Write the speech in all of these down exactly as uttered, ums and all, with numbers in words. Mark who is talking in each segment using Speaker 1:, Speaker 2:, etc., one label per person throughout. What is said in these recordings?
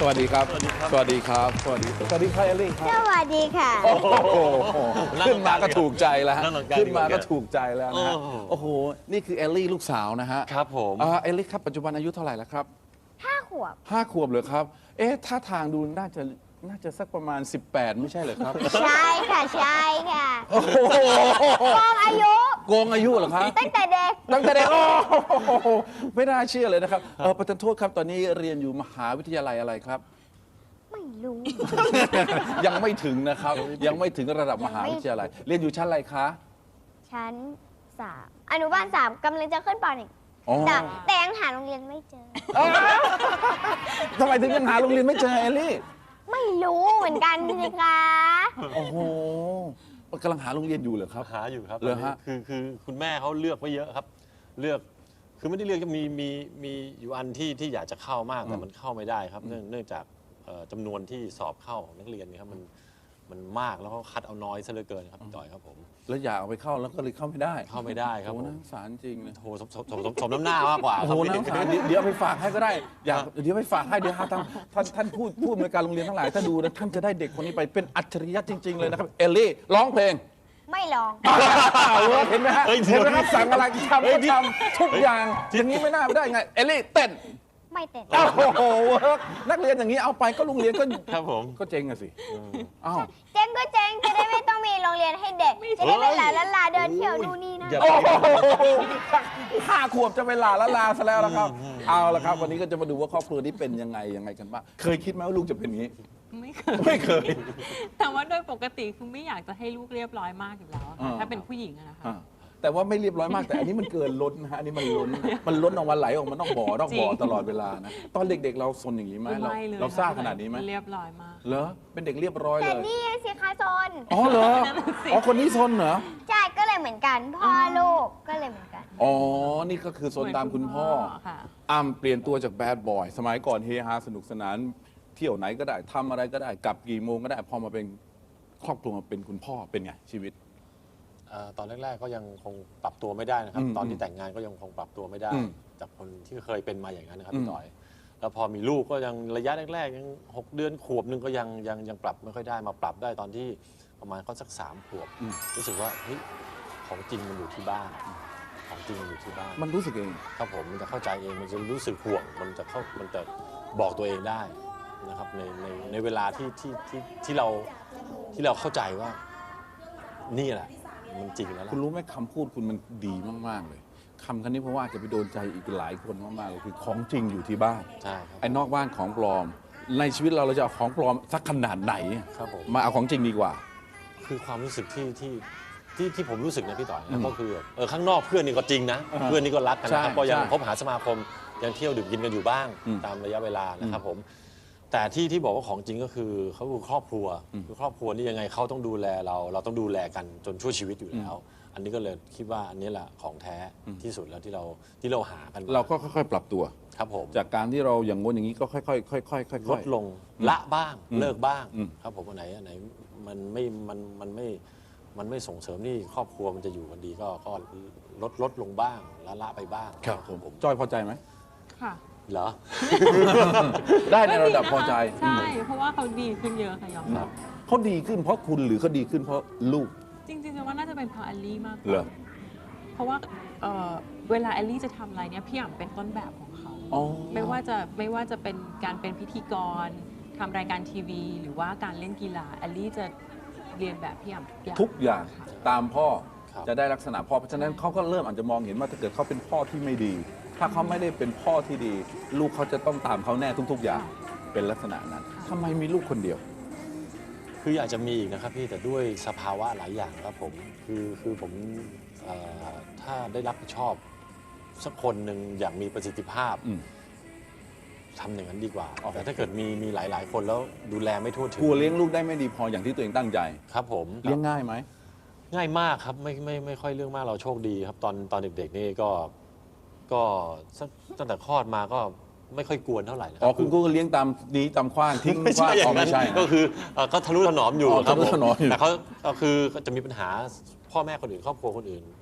Speaker 1: วัสดีครับ สวัสดีครับ สวัสดีครับ สวัสดีสวัสดีครับเอลลี่ครับ
Speaker 2: สวัสดีค่ะ
Speaker 1: โอ้โหขึ้นมาก็ถูกใจแล้วฮะ
Speaker 3: นั่งตรงกลาง
Speaker 1: ขึ้นมาก็ถูกใจแล้วนะฮะ
Speaker 3: โอ้โห
Speaker 1: โอ้โห นี่คือเอลลี่ลูกสาวนะฮะ
Speaker 3: ครับผม
Speaker 1: อ่าเอลลี่ครับปัจจุบันอายุเท่าไหร่แล้วครับ
Speaker 2: ห้าขวบ
Speaker 1: ห้าขวบเลยครับ เอ๊ะท่าทางดูน่าจะน่าจะสักประมาณ สิบแปด ไม่ใช่เหรอครับ
Speaker 2: ใช่ค่ะ ใช่ค่ะ
Speaker 1: โอ้โห
Speaker 2: กองอายุ
Speaker 1: โกงอายุเหรอครับ
Speaker 2: ตั้งแต่เด็ก
Speaker 1: ตั้งแต่เด็กโอ้โหไม่น่าเชื่อเลยนะครับเออประธานโทษครับตอนนี้เรียนอยู่มหาวิทยาลัยอะไรครับ
Speaker 2: ไม่รู้
Speaker 1: ยังไม่ถึงนะครับ ยังไม่ถึงระดับมหาวิทยาลัย เรียนอยู่ชั้นอะไรคะ
Speaker 2: ชั้นสามอนุบาลสามกำลังจะขึ้นปหนึ่ง
Speaker 1: อ๋อ
Speaker 2: แต่แต่ยังหาโรงเรียนไม่เจอ
Speaker 1: ทำไมถึงยังหาโรงเรียนไม่เจอเอลลี่
Speaker 2: ไม่รู้เหมือนกันสิคะ
Speaker 1: โอ้โหกำลังหาโรงเรียนอยู่เหรอครับ
Speaker 3: หาอยู่ครับ
Speaker 1: เหรอฮะ
Speaker 3: คือคือคุณแม่เขาเลือกไว้เยอะครับ เลือกคือไม่ได้เลือกจะมีมีมีอยู่อันที่ที่อยากจะเข้ามากแต่มันเข้าไม่ได้ครับ เนื่องเนื่องจากเอ่อจำนวนที่สอบเข้าของนักเรียนเนี่ยครับมันมันมากแล้วก็คัดเอาน้อยซะเหลือเกินครับพี่ต่อยครับผม
Speaker 1: แล้วอยากเอาไปเข้าแล้วก็เลยเข้าไม่ได้
Speaker 3: เข้าไม่ได้ครับ
Speaker 1: โอ้
Speaker 3: ผ
Speaker 1: โหน่าม สารจริงเลย
Speaker 3: โหสมสมสมสมสมน้ำหน้ามากกว่า
Speaker 1: โอ้
Speaker 3: ครั
Speaker 1: โห
Speaker 3: บ
Speaker 1: น่าสารเดี๋ยวเดี๋ยวเอาไปฝากให้ก็ได้ อยากเดี๋ยวไปฝากให้เดี๋ยวท่านท่านท่านพูดพูดในวยการโรงเรียนทั้งหลายถ้าดูนะท่านจะได้เด็กคนนี้ไปเป็นอัจฉริยะจริง ๆ เลยนะครับเอลลี่ร้องเพลง
Speaker 2: ไม่ลอง
Speaker 1: เห็นไหมฮะ
Speaker 3: เฮ้ย
Speaker 1: เห็นไหมครับสั่งอะไรทำ
Speaker 3: เฮ้
Speaker 1: ก็
Speaker 3: ยนี่
Speaker 1: ทำทุกอย่างอย่างนี้ไม่น่าได้ไงเอลลี่เต้น
Speaker 2: ไม่เต้น
Speaker 1: โอ้โหเวิร์กนักเรียนอย่างนี้เอาไปก็โรงเรียนก็
Speaker 3: ครับผม
Speaker 1: ก็เจ๊งอะสิอ้าว
Speaker 2: เจ๊งก็เจ๊งจะได้ไม่ต้องมีโรงเรียนให้เด็ก จะได้เป็นหลานละลาเดินเที่ยวนู่นนี่นั่น
Speaker 3: อย่า
Speaker 1: โอ้โหห้าขวบจะเวลาละลาซะแล้วละครับ เอาละครับ วันนี้ก็จะมาดูว่าครอบครัวนี้เป็นยังไงยังไงกันบ้างเคยคิดไหมว่าลูกจะเป็นอย่างนี้
Speaker 4: ไม่เคย
Speaker 1: ไม่เคย
Speaker 4: แต่ว่าโดยปกติคือไม่อยากจะให้ลูกเรียบร้อยมากอยู่แล้วอะค่ะ
Speaker 1: อ่า
Speaker 4: ถ้าเป็นผู้หญิงอะนะคะ
Speaker 1: อ่าแต่ว่าไม่เรียบร้อยมากแต่อันนี้มันเกินล้นนะฮะอันนี้มันล้นมันล้นออกมาไหลออกมานอกบ่อนอกบ่อ
Speaker 4: จริง
Speaker 1: ตลอดเวลานะตอนเด็กๆ เราซนอย่างนี้ไหมเรา
Speaker 4: ไม่เลย
Speaker 1: เราซ่าขนาดนี้ไหม
Speaker 4: เรียบร้อยมาก
Speaker 1: เหรอเป็นเด็กเรียบร้อย
Speaker 2: แต่
Speaker 1: เลย
Speaker 2: นี่สิคะโซน
Speaker 1: อ๋อเหรอ
Speaker 4: นั่นน่ะสิ
Speaker 1: อ๋อคนนี้ซนเหรอ
Speaker 2: ใช่ก็เลยเหมือนกัน พ่อลูกก็เลยเหมือนกัน
Speaker 1: อ๋อ นี่ก็คือโซนตามคุณพ่อ
Speaker 4: ค่ะ
Speaker 1: อ้ำเปลี่ยนตัวจากแบดบอย สมัยก่อนเฮฮาสนุกสนาน เที่ยวไหนก็ได้ทำอะไรก็ได้ กลับกี่โมงก็ได้ พอมาเป็นครอบครัวมาเป็นคุณพ่อเป็นไงชีวิต
Speaker 3: เอ่อตอนแรกๆก็ยังคงปรับตัวไม่ได้นะครับ
Speaker 1: อืม
Speaker 3: ตอนที่แต่งงานก็ยังคงปรับตัวไม่ได้
Speaker 1: อืม
Speaker 3: จากคนที่เคยเป็นมาอย่างนั้นนะครับ
Speaker 1: อืม
Speaker 3: พี่ต่อย แล้วพอมีลูกก็ยังระยะแรกๆยังหกเดือนขวบหนึงก็ยังยังยังปรับไม่ค่อยได้มาปรับได้ตอนที่ประมาณก็สักสามขวบ
Speaker 1: อืม
Speaker 3: รู้สึกว่าเฮ้ยของจริงมันอยู่ที่บ้านของจริงมันอยู่ที่บ้าน
Speaker 1: มันรู้สึกเอง
Speaker 3: ครับผมมันจะเข้าใจเองมันจะรู้สึกห่วงมันจะเข้ามันจะบอกตัวเองได้นะครับในในในเวลาที่ที่ที่ที่เราที่เราเข้าใจว่านี่แหละมันจริงแล้วล่ะ
Speaker 1: คุณรู้ไหมคำพูดคุณมันดีมาก ๆ เลยคำคันนี้เพราะว่าจะไปโดนใจอีกหลายคนมาก ๆ เลยคือของจริงอยู่ที่บ้าน
Speaker 3: ใช่ครับ
Speaker 1: ไอ้นอกบ้านของปลอม ในชีวิตเราเราจะเอาของปลอมสักขนาดไหน
Speaker 3: ครับผม
Speaker 1: มาเอาของจริงดีกว่า
Speaker 3: คือความรู้สึกที่ที่ที่ที่ผมรู้สึกนะพี่ต่อย
Speaker 1: อื
Speaker 3: นะ
Speaker 1: ม
Speaker 3: ก็คือแบบเออข้างนอกเพื่อนนี่ก็จริงนะ
Speaker 1: อ่าฮะ
Speaker 3: เพื่อนนี่ก็รักกันนะครับ
Speaker 1: ใช่
Speaker 3: ก็ยัง
Speaker 1: ใช่
Speaker 3: คบหาสมาคมยังเที่ยวดื่มกินกันอยู่บ้าง
Speaker 1: อืม
Speaker 3: ตามระยะเวลานะครับผมแต่ที่ที่บอกว่าของจริงก็คือเขาคือครอบครัว
Speaker 1: อืม
Speaker 3: คือครอบครัวนี่ยังไงเขาต้องดูแลเรา เราต้องดูแลกันจนชั่วชีวิตอยู่แล้ว อันนี้ก็เลยคิดว่าอันนี้แหละของแท้ที่สุดแล้วที่เราที่เราหากันม
Speaker 1: เราก็ค่อย ๆ ปรับตัว
Speaker 3: ครับผม
Speaker 1: จากการที่เราอย่างงนอย่างนี้ก็ค่อยๆค่อยๆค่อยๆ
Speaker 3: ลดลงละบ้าง
Speaker 1: อืม
Speaker 3: เลิกบ้าง
Speaker 1: อืม
Speaker 3: ครับผมอันไหนอันไหนมันไม่มันมันไม่มันไม่ส่งเสริมที่ครอบครัวมันจะอยู่กันดีก็ก็ลดลดลงบ้างละละไปบ้าง
Speaker 1: ครับผมจอยพอใจไหม
Speaker 4: ค่ะ
Speaker 3: เหรอ
Speaker 1: ได้ในระดับพอใจ
Speaker 4: ใช่ เพราะว่าเขาดีขึ้นเยอะค่ะยอมรับ
Speaker 1: เขาดีขึ้นเพราะคุณหรือเขาดีขึ้นเพราะลูก
Speaker 4: จริงๆจะว่าน่าจะเป็นเพราะแอลลี่มากก
Speaker 1: เหร
Speaker 4: ว่า
Speaker 1: อ
Speaker 4: เพราะว่าเอ่อเวลาแอลลี่จะทำอะไรเนี่ยพี่อ่ำเป็นต้นแบบของเขา
Speaker 1: อ๋อ
Speaker 4: ไม่ว่าจะไม่ว่าจะเป็นการเป็นพิธีกรทำรายการทีวี หรือว่าการเล่นกีฬาแอลลี่จะเรียนแบบพี่อ่ำทุกอย่าง
Speaker 1: ทุกอย่าง
Speaker 4: ค่ะ
Speaker 1: ตามพ่อ
Speaker 3: ครับ
Speaker 1: จะได้ลักษณะพ่อเพราะฉะนั้นเขาก็เริ่มอาจจะมองเห็นว่าถ้าเกิดเขาเป็นพ่อที่ไม่ดี ถ้าเขาไม่ได้เป็นพ่อที่ดี ลูกเขาจะต้องตามเขาแน่ทุก ๆ อย่าง เป็นลักษณะนั้นทำไมมีลูกคนเดียว
Speaker 3: คืออยากจะมีอีกนะครับพี่แต่ด้วยสภาวะหลายอย่างครับผมคือคือผมเอ่อถ้าได้รับผิดชอบสักคนหนึ่งอย่างมีประสิทธิภาพ
Speaker 1: อืม
Speaker 3: ทำอย่างนั้นดีกว่า
Speaker 1: อ๋อ
Speaker 3: แต่ถ้าเกิดมีมีหลาย ๆ คนแล้วดูแลไม่ทั่วถึง
Speaker 1: กลัวเลี้ยงลูกได้ไม่ดีพออย่างที่ตัวเองตั้งใจ
Speaker 3: ครับผม
Speaker 1: เลี้ยงง่ายไหม
Speaker 3: ง่ายมากครับไม่ไม่ไม่ค่อยเรื่องมากเราโชคดีครับ ตอนตอนเด็ก ๆ นี่ก็ก็สักตั้งแต่คลอดมาก็ไม่ค่อยกวนเท่าไหร่นะค
Speaker 1: อ๋อ
Speaker 3: รั
Speaker 1: คุณก็เลี้ยงตามดีตามขว้างทิ้ง
Speaker 3: ไม่
Speaker 1: ขว้า
Speaker 3: ใช่
Speaker 1: ง
Speaker 3: อย่า
Speaker 1: อ๋อง
Speaker 3: นั้
Speaker 1: ไม่
Speaker 3: น
Speaker 1: ใช่
Speaker 3: ก็คือเอ่อก็ทะนุถนอมอยู่
Speaker 1: อ๋อ
Speaker 3: ครับ
Speaker 1: ทะนุถนอมอยู่
Speaker 3: แต่เขาก็คือจะมีปัญหาพ่อแม่คนอื่นครอบครัวคนอื่น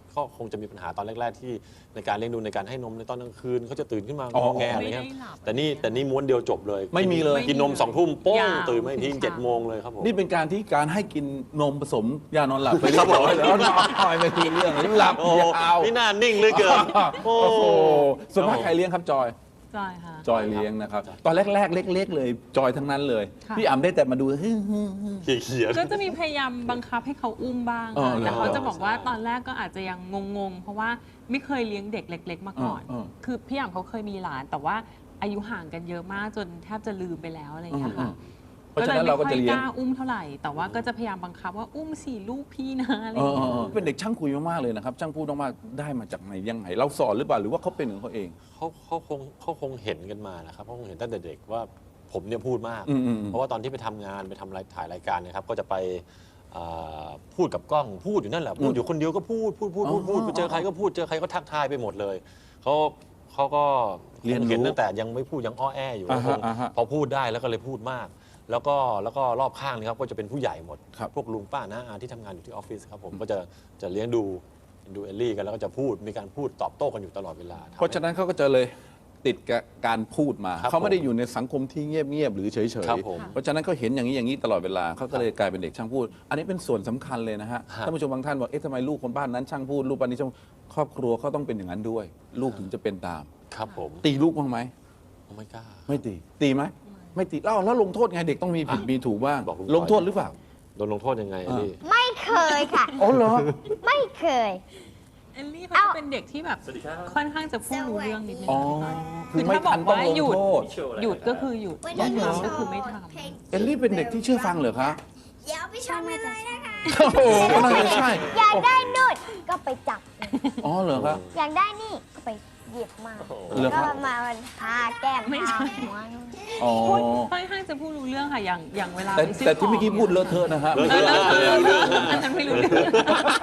Speaker 3: ก็คงจะมีปัญหาตอนแรก ๆ ที่ในการเลี้ยงดูในการให้นมในตอนกลางคืนเขาจะตื่นขึ้นมาง
Speaker 1: อ๋อ
Speaker 3: อแงอะไร
Speaker 4: ไม่
Speaker 3: เงี้
Speaker 4: ได้
Speaker 3: ย
Speaker 4: หลับ
Speaker 3: แต่นี่แต่นี่ม้วนเดียวจบเลย
Speaker 1: ไม่มีเลย
Speaker 3: กินนมสองทุ่มโป้ง
Speaker 4: ยาว
Speaker 3: ตื่นมาอีกที
Speaker 4: ถึง
Speaker 3: เจ็ด
Speaker 4: เช้า
Speaker 3: โมงเลยครับผม
Speaker 1: นี่เป็นการที่การให้กินนมผสมยานอนหลับไปเรียบร้อยแล้วนอนไม่คุยเรื่องหลับ
Speaker 3: โอ้
Speaker 1: ยาว
Speaker 3: นี่น่านิ่งเหลยเกิน
Speaker 1: โอ้โหส่วนมากใครเลี้ยงครับจอย
Speaker 4: จอยค่ะ
Speaker 1: จอยเลี้ยงนะครับตอนแรกๆเล็ก ๆ เลยจอยทั้งนั้นเลย
Speaker 4: ค่ะ
Speaker 1: พี่อ่ำได้แต่มาดูฮึ่ม
Speaker 3: เขียน
Speaker 4: ก็จะมีพยายามบังคับให้เขาอุ้มบ้าง
Speaker 1: อ๋อ
Speaker 4: ค่ะ
Speaker 1: เหรอ
Speaker 4: แต่เขาจะบอกว่าตอนแรกก็อาจจะยังงงๆ เพราะว่าไม่เคยเลี้ยงเด็กเล็ก ๆ มาก่อน
Speaker 1: อ๋ออ๋อ
Speaker 4: คือพี่อ่ำเขาเคยมีหลาน แต่ว่าอายุห่างกันเยอะมากจนแทบจะลืมไปแล้วอะไรอย่างเงี้ยค่ะ
Speaker 1: เพราะฉะนั้นเราก็จะเลี้ยง
Speaker 4: ไม่ค่อยกล้าอุ้มเท่าไหร่ แต่ว่าก็จะพยายามบังคับว่าอุ้มสี่ลูกพี่นะอะไรอ
Speaker 1: เอย่าง อ
Speaker 4: เงี้ย
Speaker 1: เออเป็นเด็กช่างคุยมากๆเลยนะครับช่างพูดมากๆได้มาจากไหนยังไงเราสอนหรือเปล่าหรือว่าเขาเป็นของเขาเอง
Speaker 3: เขาเขาคงเขาคงเห็นกันมานะครับเขาคงเห็นตั้งแต่เด็กว่าผมเนี่ยพูดมาก
Speaker 1: อืมอืมอืม
Speaker 3: เพราะว่าตอนที่ไปทำงานไปทำรายถ่ายรายการเนะครับก็จะไปอ่าพูดกับกล้องพูดอยู่นั่นแหละพูดอยู่คนเดียวก็พูดพูดพูดพูดพูด
Speaker 1: อ๋อ
Speaker 3: ไปเจอใครก็พูดเจอใครก็ทักทายไปหมดเลยเขาเขาก็
Speaker 1: เรียนรู้
Speaker 3: เห็นตั้งแต่ยังไม่พูดยังอ้อแออยู่
Speaker 1: อ่าฮะ
Speaker 3: คง
Speaker 1: อ่าฮะ
Speaker 3: พอพูดได้แล้วก็เลยพูดมาก แล้วก็แล้วก็รอบข้างนี่ครับก็จะเป็นผู้ใหญ่หมด
Speaker 1: ครับ
Speaker 3: พวกลุงป้าน้าอาที่ทำงานอยู่ที่ออฟฟิศครับผมก็จะจะเลี้ยงดูดูเอลลี่กันแล้วก็จะพูดมีการพูดตอบโต้กันอยู่ตลอดเวลา
Speaker 1: เพราะฉะนั้นเขาก็จะเลยติดกับการพูดมา
Speaker 3: ครับ
Speaker 1: เขาไม่ได้อยู่ในสังคมที่เงียบๆหรือเฉย
Speaker 3: ครับผม
Speaker 1: ๆเพราะฉะนั้นเขาเห็นอย่างนี้อย่างนี้ตลอดเวลาเขาก็เลยกลายเป็นเด็กช่างพูด อันนี้เป็นส่วนสำคัญเลยนะฮะ
Speaker 3: ฮะ
Speaker 1: ท่านผู้ชมบางท่านบอกเอ๊ะทำไมลูกคนบ้านนั้นช่างพูดลูกบ้านนี้ช่างครอบครัวเขาต้องเป็นอย่างนั้นด้วย ลูกถึงจะเป็นตาม
Speaker 3: ครับผม
Speaker 1: ตีลูกบ้างไหม
Speaker 3: ไม่กล้า
Speaker 1: ไม่ตีตีไหมไม่ตีแล้วแล้วลงโทษไงเด็กต้องมีผิดมีถูกบ้าง
Speaker 3: บอกลุง
Speaker 1: ลงโทษหรือเปล่า
Speaker 3: โดนลงโทษยังไงเอลลี่
Speaker 2: ไม่เคยค่ะ
Speaker 1: อ๋อเหรอ
Speaker 2: ไม่เคย
Speaker 4: เอลลี่เขา
Speaker 2: เอ้า
Speaker 4: จะเป็นเด็กที่แบบค่อนข้างจะพูดรู้เรื่องนิดนึง
Speaker 1: อ๋อ
Speaker 4: คื
Speaker 1: คือ
Speaker 4: อ
Speaker 1: ไม่
Speaker 4: ถ้าบ
Speaker 1: ทั
Speaker 4: อน ก
Speaker 1: ต้อง
Speaker 4: ว่า
Speaker 1: ลง
Speaker 4: หยุด
Speaker 1: โทษ
Speaker 4: หยุดก็คือหยุด
Speaker 2: วัน
Speaker 4: ไม่
Speaker 2: นี้
Speaker 4: ทำ
Speaker 2: โช
Speaker 4: ก็
Speaker 2: ว์
Speaker 4: คือไม่ท
Speaker 2: เพลง
Speaker 1: เอลลี่เป็นเด็กที่เชื่อฟังเหรอคะ
Speaker 2: เดี๋ยวไปชมกันเลยนะคะ
Speaker 1: โอ้โหก็น่าจะใช่
Speaker 2: อยากได้นู่นก็ไปจับ
Speaker 1: อ๋อเหรอครับ
Speaker 2: อยากได้นี่ก็ไปหยิบมา
Speaker 1: เหรอค
Speaker 2: ก็
Speaker 1: รับ
Speaker 2: มาทาแก้มทาหัว
Speaker 1: อ๋อ
Speaker 4: ำค่อนข้างจะพูดรู้เรื่องค่ะอย่างอย่างเวลา
Speaker 1: แต่
Speaker 4: ไปซื้อ
Speaker 1: แต่ที่
Speaker 4: ขง
Speaker 1: เมื่อกี้พูดเลอะเทอะนะฮะ
Speaker 3: เลอะ
Speaker 4: เอ
Speaker 3: เท
Speaker 4: อ
Speaker 3: อะ
Speaker 4: เออเอออันนั้นไม่รู้เรื่อง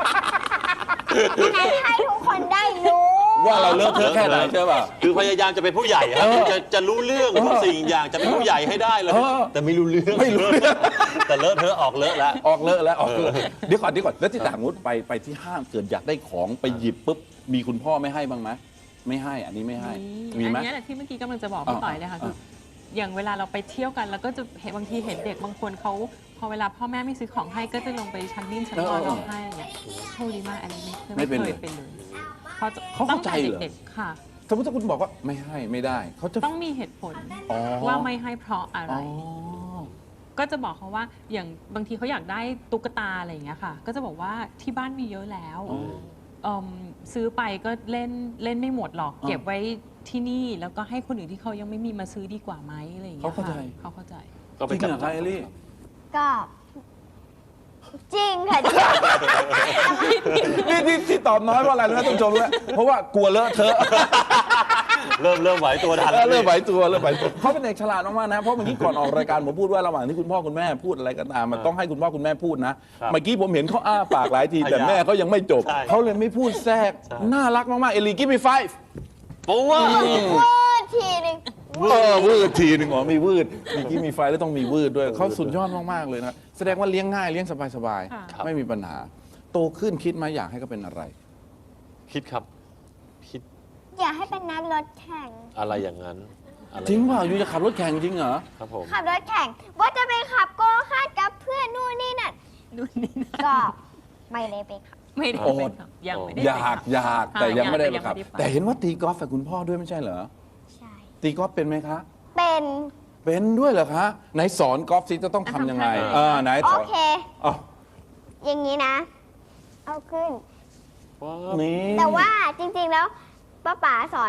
Speaker 2: ให้ให้ทุกคนได้รู้
Speaker 1: ว่าเราเลอะเทอะแค่ไหนใช่ป่ะ
Speaker 3: คือพยายามจะเป็นผู้ใหญ่ครับ
Speaker 1: เออ
Speaker 3: จะจะรู้เรื่องทุกสิ่งอย่างจะเป็นผู้ใหญ่ให้ได้เลย
Speaker 1: เออ
Speaker 3: แต่ไม่รู้เรื่อง
Speaker 1: ไม่รู้เรื่อง
Speaker 3: แต่เลอะเทอะออกเลอะแล้ว
Speaker 1: ออกเลอะแล้วออกเลอะเดี๋ยวก่อนเดี๋ยวก่อนแล้วที่ต่างมุดไปไปที่ห้างเกิดอยากได้ของไปหยิบปุ๊บมีคุณพ่อไม่ให้บ้างไหมไม่ให้อันนี้ไม่ให้มีไหม
Speaker 4: อันเนี้ยแหละที่เมื่อกี้กำลังจะบอกพี่
Speaker 1: อ่า
Speaker 4: ต่อยเลยค่ะคือ
Speaker 1: อ่า
Speaker 4: อย่างเวลาเราไปเที่ยวกันแล้วก็จะเห็นบางทีเห็นเด็กบางคนเขาพอเวลาพ่อแม่ไม่ซื้อของให้ก็จะลงไปชั้นนิ่มชั้นนอนร้องไห้อะไรเงี้ยโชคดีมากอันนี้ไม่
Speaker 1: ไม่เป็น
Speaker 4: เค
Speaker 1: เลย
Speaker 4: ยเป็นเลยพอจะ
Speaker 1: เขาเข้าใจเหรอ
Speaker 4: ตั้งแต่เด็กๆค่ะ
Speaker 1: สมมติถ้าคุณบอกว่าไม่ให้ไม่ได้เขาจะ
Speaker 4: ต้องมีเหตุผล
Speaker 1: อ๋อ
Speaker 4: ว่าไม่ให้เพราะอะไร
Speaker 1: อ๋อ
Speaker 4: ก็จะบอกเขาว่าอย่างบางทีเขาอยากได้ตุ๊กตาอะไรอย่างเงี้ยค่ะ ก็จะบอกว่าที่บ้านมีเยอะแล้ว
Speaker 1: อ๋อ
Speaker 4: เอิ่มซื้อไปก็เล่นเล่นไม่หมดหรอก
Speaker 1: อ่า
Speaker 4: เก็บไว้ที่นี่แล้วก็ให้คนอื่นที่เขายังไม่มีมาซื้อดีกว่าไหมอะไรอย่างเงี้ย
Speaker 1: เขาเข้าใจ
Speaker 4: ค่ะเขาเข้าใจ
Speaker 3: ก็
Speaker 1: จ
Speaker 3: ไป
Speaker 1: ริง
Speaker 3: จับ
Speaker 1: เหรอคะเอลลี่
Speaker 2: ก็ จริงค่ะจริง
Speaker 1: นี่ที่ที่ตอบน้อยเพราะอะไรรู้ไหมท่านผู้ชมรู้ไหมเพราะว่ากลัวเลอะเทอะ
Speaker 3: เริ่มเริ่มไหวตัวทัน
Speaker 1: เออเริ่มไหวตัวเริ่มไหวตัวเขาเป็นเด็กฉลาดมากๆนะเพราะเมื่อกี้ก่อนออกรายการผมพูดว่าระหว่างที่คุณพ่อคุณแม่พูดอะไรก็ตามมันต้องให้คุณพ่อคุณแม่พูดนะเมื่อกี้ผมเห็นเขาอ้าปากหลายทีแต่แม่เขายังไม่จบเขาเลยไม่พูดแทรกน่ารักมากๆเอลลี่give me five
Speaker 3: โอ้ว่า
Speaker 2: วืดทีหนึง
Speaker 1: เออวืดทีหนึ่งอ๋อมีวืดมีกี้มีไฟแล้วต้องมีวืดด้วยเขาสุดยอดมากๆเลยนะแสดงว่าเลี้ยงง่ายเลี้ยงสบาย
Speaker 4: ค่ะ
Speaker 1: ๆไม่มีปัญหา โตขึ้นคิดมาอยากให้เขาเป็นอะไร
Speaker 3: คิดครับ คิด
Speaker 2: อยากให้เป็นนักรถแข่ง
Speaker 3: อะไรอย่างนั้นอะไ
Speaker 1: จริงเปล่าอยู่จะขับรถแข่งจริงเหรอ
Speaker 3: ครับผม
Speaker 2: ขับรถแข่ง ว่าจะไปขับโกคาร์ทกับเพื่อนนู่นนี่นั่น
Speaker 4: นู่นนี่นะ
Speaker 2: ก็ไม่ได้ไปขับ
Speaker 4: ไม่ได้
Speaker 1: โอ้
Speaker 4: เป็นครับยังไม่ได้
Speaker 1: อยาก
Speaker 4: เป็นครับ
Speaker 1: อยากแต่ยังไม่ได้
Speaker 4: ค่ะ
Speaker 1: ขับ
Speaker 4: ยังไม่ได้ไป
Speaker 1: แต่เห็นว่าตีกอล์ฟกับคุณพ่อด้วยไม่ใช่เหรอ
Speaker 2: ใช่
Speaker 1: ตีกอล์ฟเป็นไหมคะ
Speaker 2: เป็น
Speaker 1: เป็นด้วยเหรอคะไหนสอนกอล์ฟสิจะต้องทำยังไงเออไหน
Speaker 2: โอ
Speaker 1: สอน
Speaker 2: เค
Speaker 1: อ๋อ
Speaker 2: อย่างนี้นะ เอาขึ้น
Speaker 3: ว้าว
Speaker 1: นี่
Speaker 2: แต่ว่าจริงๆแล้วป้าป๋าสอน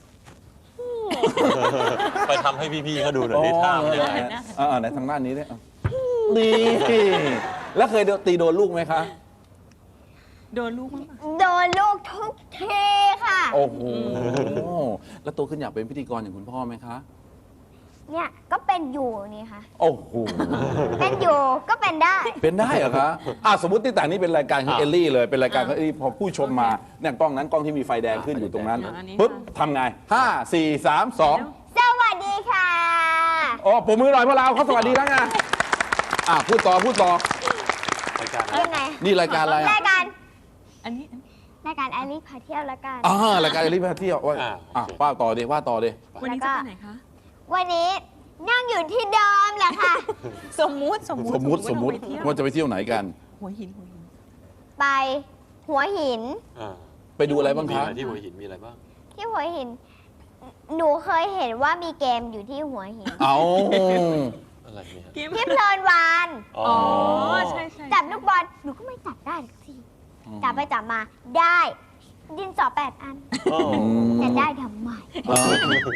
Speaker 3: ไปทำให้พี่ๆเขาดูหน่อย
Speaker 1: อ๋อ
Speaker 3: ที่ท่า
Speaker 1: เอ
Speaker 3: มัน
Speaker 1: อ
Speaker 3: ยังไง
Speaker 1: ไหนๆอ่าไหนทางด้านนี้ด้วยอ่ะนี่แล้วเคยตีโดนลูกไหมคะ
Speaker 4: โดนลูกมั้งปะ
Speaker 2: โดนลูกทุกทีค่ะ
Speaker 1: โอ้โห แล้วโตขึ้นอยากเป็นพิธีกรอย่างคุณพ่อไหมคะ
Speaker 2: เนี่ยก็เป็นอยู่นี่ค่ะ
Speaker 1: โอ้โห
Speaker 2: เป็นอยู่ก็เป็นได้
Speaker 1: เป็นได้เหรอคะอ่ะสมมติที่ต่างนี้เป็นรายการของเอลลี่เลย เป็นรายการของเอลลี่พอผู้ชมมาเนี่ยกล้องนั้นกล้องที่มีไฟแดงขึ้นอยู่ตรงนั้น ปุ๊บทำไงห้าสี่สามสอง
Speaker 2: สวัสดีค่ะ
Speaker 1: อ๋อผมมือหน่อยพวกเราเขาสวัสดีแล้วไงอ่ะพูดต่อพูดต่อ
Speaker 3: รายการ
Speaker 2: ยังไง
Speaker 1: นี่รายการอะไรอ่ะ
Speaker 2: รายการ
Speaker 4: อันนี้
Speaker 2: รายการแอลลี่พาเที่ยวละกัน
Speaker 1: อ่ารายการรีบมาเที่ยวว่า
Speaker 3: อ่า
Speaker 1: อ่ะ
Speaker 3: โอเค
Speaker 1: ว่าต่อเดว่าต่อเด
Speaker 4: วันนี้จะไปไหนคะ
Speaker 2: วันนี้นั่งอยู่ที่เดิมแหละค่ะ
Speaker 4: สมมุติสมมุติ
Speaker 1: สมมุติสมมุติ
Speaker 4: ว่าเราไปเที่ยว
Speaker 1: ว่าจะไปเที่ยวไหนกัน
Speaker 4: หัวหินหัวหิน
Speaker 2: ไปหัวหิน
Speaker 3: อ่า
Speaker 1: ไปดูอะไรบ้าง
Speaker 3: มี
Speaker 1: คะ
Speaker 3: อะไรที่หัวหินมีอะไรบ้าง
Speaker 2: ที่หัวหิน หนูเคยเห็นว่ามีเกมอยู่ที่หัวหิน
Speaker 1: เอา
Speaker 3: อะไรเนี่ย
Speaker 4: เกม
Speaker 2: ที่เพลินวาน
Speaker 3: อ๋อ
Speaker 4: อ๋อ
Speaker 3: อ
Speaker 4: ใช่ใช่
Speaker 2: จับลูกบอลหนูก็ไม่จับได้สักทีจับไปจับมาได้ ดินสอแปดอัน
Speaker 3: อ๋อ
Speaker 2: จะได้ทำไม
Speaker 1: อ่า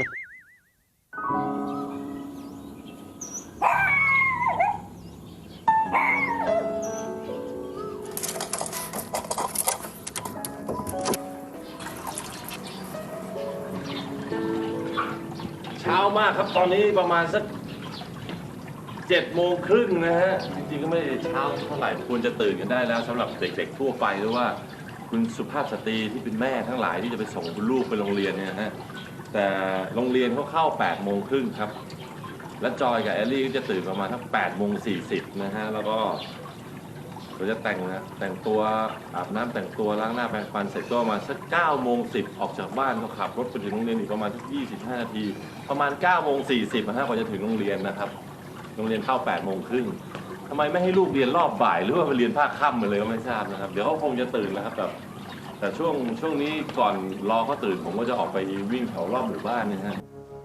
Speaker 5: เช้ามากครับตอนนี้ประมาณสักเจ็ดโมงครึ่งนะฮะจริงๆก็ไม่ได้เช้าเท่าไหร่ควรจะตื่นกันได้แล้วสำหรับเด็กๆทั่วไปหรือว่าคุณสุภาพสตรีที่เป็นแม่ทั้งหลายที่จะไปส่งคุณลูกไปโรงเรียนเนี่ยนะฮะแต่โรงเรียนเขาเข้าแปดโมงครึ่งครับและจอยกับแอลลี่ก็จะตื่นประมาณทั้งแปดโมงสี่สิบนะฮะแล้วก็เราจะแต่งนะแต่งตัวอาบน้ำแต่งตัวล้างหน้าแปรงฟันเสร็จก็ประมาณสักเก้าโมงสิบออกจากบ้านก็ขับรถไปถึงโรงเรียนอีกประมาณสักยี่สิบห้านาทีประมาณเก้าโมงสี่สิบนะฮะกว่าจะถึงโรงเรียนนะครับโรงเรียนเข้าแปดโมงครึ่งทำไมไม่ให้ลูกเรียนรอบบ่ายหรือว่าไปเรียนภาคค่ำมาเลยก็ไม่ทราบนะครับเดี๋ยวเขาคงจะตื่นแล้วครับแต่แต่ช่วงช่วงนี้ก่อนรอเขาตื่นผมก็จะออกไปวิ่งแถวรอบหมู่บ้านเนะฮะ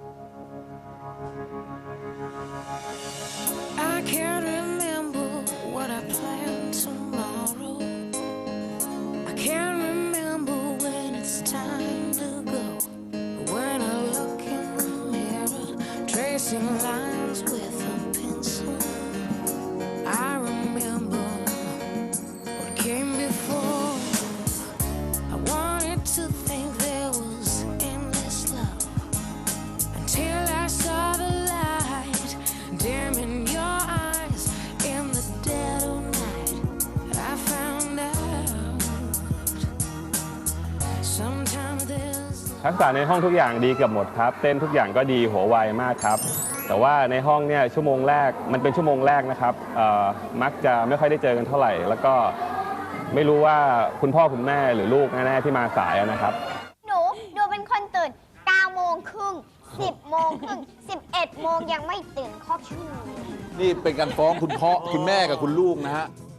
Speaker 6: I can't remember what I planned tomorrow. I can't remember when it's time to go. But when I look in the mirror, tracing lines with a pencil, I remember what came before. I wanted to think there was endless love until I saw the light dim in your eyes in the dead of night. I found out sometimes there's
Speaker 7: ทักษะในห้องทุกอย่างดีเกือบหมดครับ เต้นทุกอย่างก็ดีหัวไวมากครับ แต่ว่าในห้องเนี่ยชั่วโมงแรกมันเป็นชั่วโมงแรกนะครับเอ่อมักจะไม่ค่อยได้เจอกันเท่าไหร่ แล้วก็ไม่รู้ว่าคุณพ่อคุณแม่หรือลูกแน่ๆที่มาสายนะครับ
Speaker 2: หนูหนูเป็นคนตื่นเก้าโมงครึ่งสิบโมงครึ่งสิบเอ็ดโมงยังไม่ตื่นครอบชั่วโมง
Speaker 1: นี่เป็นการฟ้องคุณพ่อคุณแม่กับคุณลูกนะฮะ